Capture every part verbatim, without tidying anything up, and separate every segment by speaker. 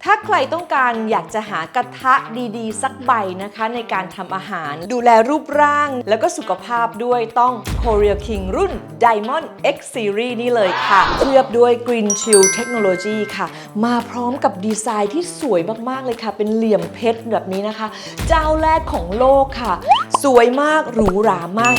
Speaker 1: ถ้าใครต้องการอยากจะหากระทะดีๆสักใบนะคะในการทำอาหารดูแลรูปร่างแล้วก็สุขภาพด้วยต้อง Korea King รุ่น Diamond X Series นี่เลยค่ะเคลือบด้วย Green Shield Technology ค่ะมาพร้อมกับดีไซน์ที่สวยมากๆเลยค่ะเป็นเหลี่ยมเพชรแบบนี้นะคะเจ้าแรกของโลกค่ะสวยมากหรูหรามาก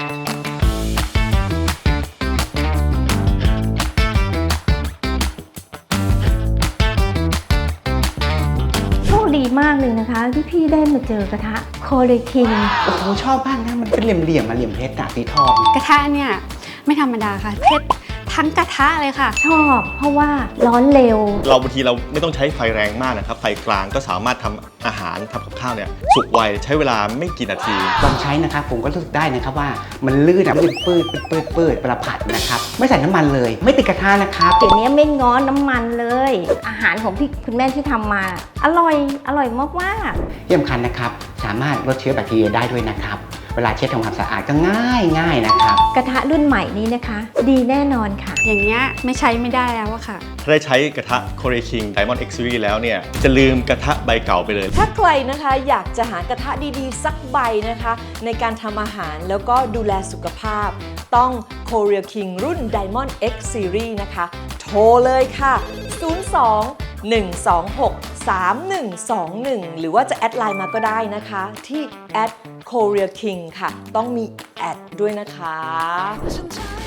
Speaker 2: ดีมากเลยนะคะที่พี่ได้มาเจอกระทะโคเรคิง
Speaker 3: โอ้โหชอบมากนะมันเป็นเหลี่ยมๆมาเหลี่ยมเพชรอะสีทอง
Speaker 4: กระทะเนี่ยไม่ธรรมดาค่ะเพชรทั้งกระทะเลยค่ะ
Speaker 2: ชอบเพราะว่าร้อนเร็ว
Speaker 5: เราบางทีเราไม่ต้องใช้ไฟแรงมากนะครับไฟกลางก็สามารถทำอาหารทำกับข้าวเนี่ยสุกไวใช้เวลาไม่กี่นาที
Speaker 3: ลองใช้นะครับผมก็รู้สึกได้นะครับว่ามันลื่นอะลื่นปืดปืดปืดประผัดนะครับไม่ใส่น้ำมันเลยไม่ติดกระทะนะครับ
Speaker 2: เดี๋ยวนี้ไม่ง้อน้ำมันเลยอาหารของพี่คุณแม่ที่ทำมาอร่อยอร่อยมาก
Speaker 3: ๆที่สำคัญนะครับสามารถลดเชื้อแบคทีเรียได้ด้วยนะครับเวลาเช็ดทำความสะอาดก็ง่ายง่ายนะครับ
Speaker 2: กระทะรุ่นใหม่นี้นะคะดีแน่นอนค่ะ
Speaker 4: อย่างเงี้ยไม่ใช้ไม่ได้แล้วอะค่ะ
Speaker 5: ถ้าได้ใช้กระทะ Korea King Diamond X Series แล้วเนี่ยจะลืมกระทะใบเก่าไปเลย
Speaker 1: ถ้าใครนะคะอยากจะหากระทะดีๆสักใบนะคะในการทำอาหารแล้วก็ดูแลสุขภาพต้อง Korea King รุ่น Diamond X Series นะคะโทรเลยค่ะศูนย์ สอง หนึ่ง สอง หก สาม หนึ่ง สอง หนึ่งหรือว่าจะแอดไลน์มาก็ได้นะคะที่ แอท Korea King ค่ะต้องมีแอดด้วยนะคะ